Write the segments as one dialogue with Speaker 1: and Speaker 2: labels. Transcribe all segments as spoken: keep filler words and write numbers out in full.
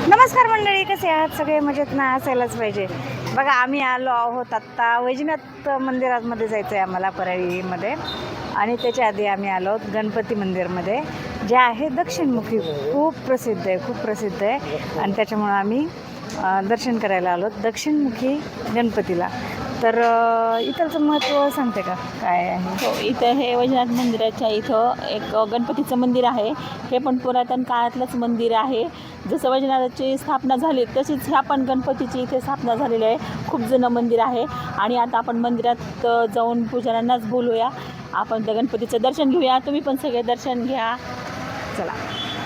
Speaker 1: नमस्कार मंडळी, कसे आहात सगळे? मजेत ना असायलाच पाहिजे. बघा, आम्ही आलो आहोत आत्ता वैजनाथ मंदिरामध्ये जायचं आहे आम्हाला, परळीमध्ये. आणि त्याच्या आधी आम्ही आलो आहोत गणपती मंदिरमध्ये, जे आहे दक्षिणमुखी. खूप प्रसिद्ध आहे, खूप प्रसिद्ध आहे. आणि त्याच्यामुळं आम्ही दर्शन करायला आलो दक्षिणमुखी गणपतीला. तर इथलचं महत्त्व सांगते का काय आहे?
Speaker 2: हो, इथं हे वैजनाथ मंदिराच्या इथं एक गणपतीचं मंदिर आहे. हे पण पुरातन काळातलंच मंदिर आहे. जसं वैजनाथाची स्थापना झाली तशीच ह्या पण गणपतीची इथे स्थापना झालेली आहे. खूप जुनं मंदिर आहे. आणि आता आपण मंदिरात जाऊन पुजाऱ्यांनाच बोलूया, आपण त्या गणपतीचं दर्शन घेऊया. तुम्ही पण सगळे दर्शन घ्या, चला.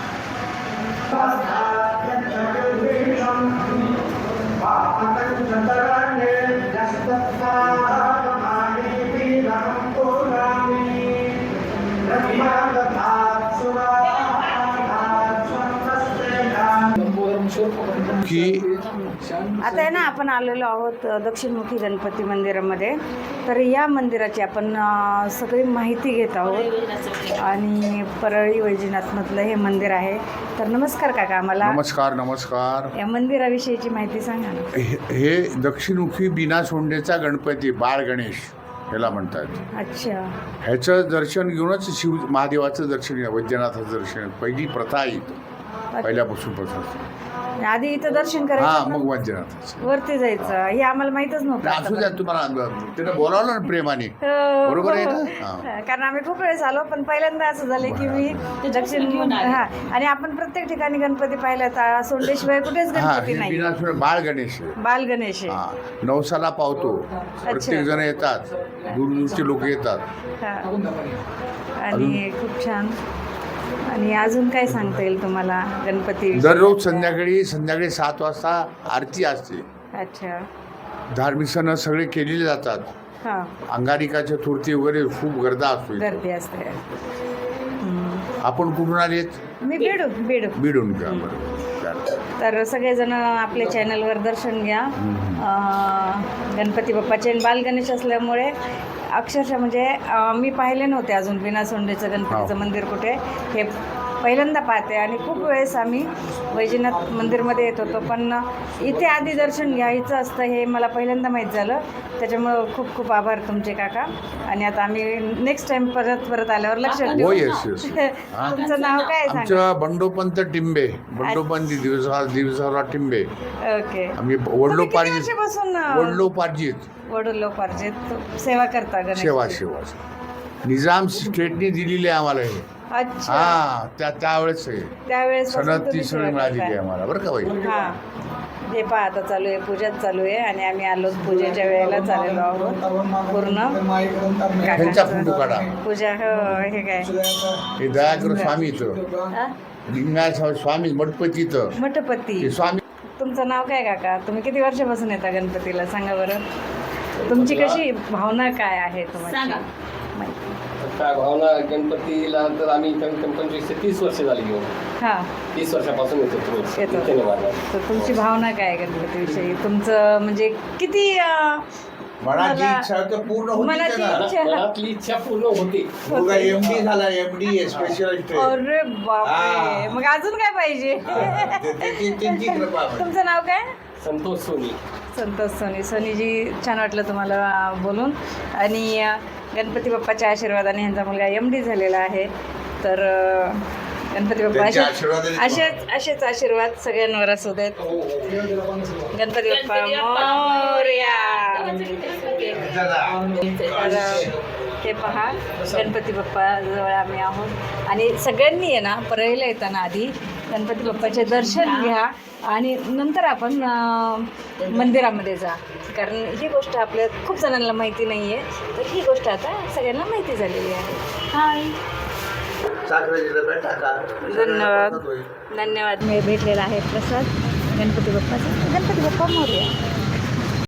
Speaker 1: की आता आहे ना, आपण आलेलो आहोत दक्षिणमुखी गणपती मंदिरामध्ये. तर या मंदिराची आपण सगळी माहिती घेत आहोत. आणि परळी वैजनाथमधलं हे मंदिर आहे. तर नमस्कार काका, आम्हाला
Speaker 3: नमस्कार नमस्कार
Speaker 1: या मंदिराविषयीची माहिती सांगा ना.
Speaker 3: हे हे दक्षिणमुखी बिना सोंडेचा गणपती बाळ गणेश याला म्हणतात.
Speaker 1: अच्छा.
Speaker 3: ह्याचं दर्शन घेऊनच शिव महादेवाचं दर्शन, वैद्यनाथाचं दर्शन पहिली प्रथा आहे इथं, पहिल्यापासून प्रथा.
Speaker 1: आधी इथं दर्शन
Speaker 3: हा,
Speaker 1: करायचं,
Speaker 3: मग वैद्यनाथाचं
Speaker 1: वरती जायचं. हे आम्हाला माहितच नव्हतं.
Speaker 3: असू द्या, तुम्हाला त्यानं बोलावलं ना प्रेमाने,
Speaker 1: हो,
Speaker 3: बरोबर आहे
Speaker 1: हो.
Speaker 3: ना? हा.
Speaker 1: कारण आम्ही खूप वेळेस आलो, पण पहिल्यांदा असं झालं की मी दक्षिण हा. आणि आपण प्रत्येक ठिकाणी गणपती पाहिला तर सोंडेशिवाय कुठेच
Speaker 3: हा,
Speaker 1: गणपती
Speaker 3: हे
Speaker 1: नाही.
Speaker 3: बिना सोंडे बाळ गणेश आहे.
Speaker 1: बाल गणेश आहे.
Speaker 3: हा, नवसाला पावतो. प्रत्येक जण येतात, दूरदूरचे लोक येतात.
Speaker 1: हा. आणि खूप छान. आणि अजून काय सांगता येईल तुम्हाला गणपती?
Speaker 3: दररोज संध्याकाळी संध्याकाळी सात वाजता आरती असते.
Speaker 1: अच्छा.
Speaker 3: धार्मिक सण सगळे केलेले जातात.
Speaker 1: हा,
Speaker 3: अंगारिकाच्या थोरती वगैरे खूप गर्दा असतो इथे.
Speaker 1: गर्दी असते. हम्म.
Speaker 3: आपण कुठून आलेत?
Speaker 1: मी बेडू बेडू
Speaker 3: बिडून का? बरोबर.
Speaker 1: तर सगळेजण आपल्या चॅनलवर दर्शन घ्या. अं, गणपती बाप्पाचे बाल गणेश असल्यामुळे अक्षरशः म्हणजे अं, मी पाहिले नव्हते अजून बिना सोंडेचं गणपतीचं मंदिर कुठे. हे पहिल्यांदा पाहते. आणि खूप वेळेस आम्ही वैजनाथ मंदिरमध्ये येत होतो, पण इथे आधी दर्शन घ्यायचं असतं हे मला पहिल्यांदा माहीत झालं. त्याच्यामुळं खूप खूप आभार तुमचे काका. आणि आता आम्ही नेक्स्ट टाइम परत परत आल्यावर लक्षात
Speaker 3: हो,
Speaker 1: ठेवू.
Speaker 3: Yes yes.
Speaker 1: तुमचं नाव काय सांगा?
Speaker 3: आमचं बंडोपंत टिंबे, बंडोपंत दिवसा दिवसाला टिंबे.
Speaker 1: ओके.
Speaker 3: आम्ही वडलोपार्जित
Speaker 1: वर्षापासून
Speaker 3: वडलोपार्जित
Speaker 1: वडलोपार्जित सेवा करता गणेश?
Speaker 3: सेवा सेवा निजाम स्टेटने दिलेली आहे आम्हाला हे.
Speaker 1: अच्छा.
Speaker 3: हा, त्या त्यावेळेस आहे
Speaker 1: त्यावेळेस
Speaker 3: सनद ती सगळी मिळालेली आहे आम्हाला, बरं का बाई.
Speaker 1: हा. हे पहा, आता चालू आहे, पूजाच चालू आहे. आणि आम्ही आलो पूजेच्या वेळेला चाललेलो आहोत पूर्ण.
Speaker 3: ह्यांचा फोटो काढा.
Speaker 1: पूजा. हो, हे काय
Speaker 3: हे दयाकर स्वामी इथं,
Speaker 1: हा?
Speaker 3: लिंगाय स्वामी मठपती इथं,
Speaker 1: मठपती.
Speaker 3: हे स्वामी.
Speaker 1: तुमचं नाव काय काका? तुम्ही किती वर्षापासून येता गणपतीला? सांगा बरं. तुमची कशी भावना काय आहे तुम्हाला? माहिती.
Speaker 4: काय भावना गणपतीला तर आम्ही कमीत कमी पंचवीस ते तीस वर्ष झाली घेऊन.
Speaker 1: हा,
Speaker 4: तीस वर्षापासून येतो रोज.
Speaker 1: येतो.
Speaker 4: इथे नाही वाढणार.
Speaker 1: तर तुमची भावना काय आहे गणपतीविषयी? तुमचं म्हणजे किती अं,
Speaker 3: मनाची
Speaker 1: मला-
Speaker 3: इच्छा तर पूर्ण होती
Speaker 1: मनाची
Speaker 3: ना.
Speaker 1: इच्छा.
Speaker 4: मनातली इच्छा पूर्ण होती.
Speaker 3: मुलगा एम डी झाला, एम डी स्पेशलिस्ट आहे.
Speaker 1: अरे बापरे,
Speaker 3: हा.
Speaker 1: मग अजून काय पाहिजे?
Speaker 3: हा, ते- ते- ते- त्यांची कृपा आहे.
Speaker 1: तुमचं नाव काय?
Speaker 4: संतोष सोनी.
Speaker 1: संतोष सोनी. सोनीजी, छान वाटलं तुम्हाला बोलून. आणि अं, गणपती बाप्पाच्या आशीर्वादाने ह्यांचा मुलगा एम डी झालेला आहे. तर अं, गणपती बाप्पा
Speaker 3: त्यांच्या
Speaker 1: असेच
Speaker 3: आशीर्वादाने-
Speaker 1: असेच असेच आशीर्वाद सगळ्यांवर असू देत. गणपती बाप्पा मोरया. तर ते पहा, गणपती बाप्पा जवळ आम्ही आहोत. आणि सगळ्यांनी आहे ना, परळीला येताना आधी गणपती बाप्पाचे दर्शन घ्या आणि नंतर आपण अं, मंदिरामध्ये जा. कारण ही गोष्ट आपल्या खूप जणांना माहिती नाही आहे. तर ही गोष्ट आता सगळ्यांना माहिती झालेली आहे. हाय, धन्यवाद. धन्यवाद. मी भेटलेला आहे प्रसाद गणपती बाप्पाचा. गणपती बाप्पा मोरया.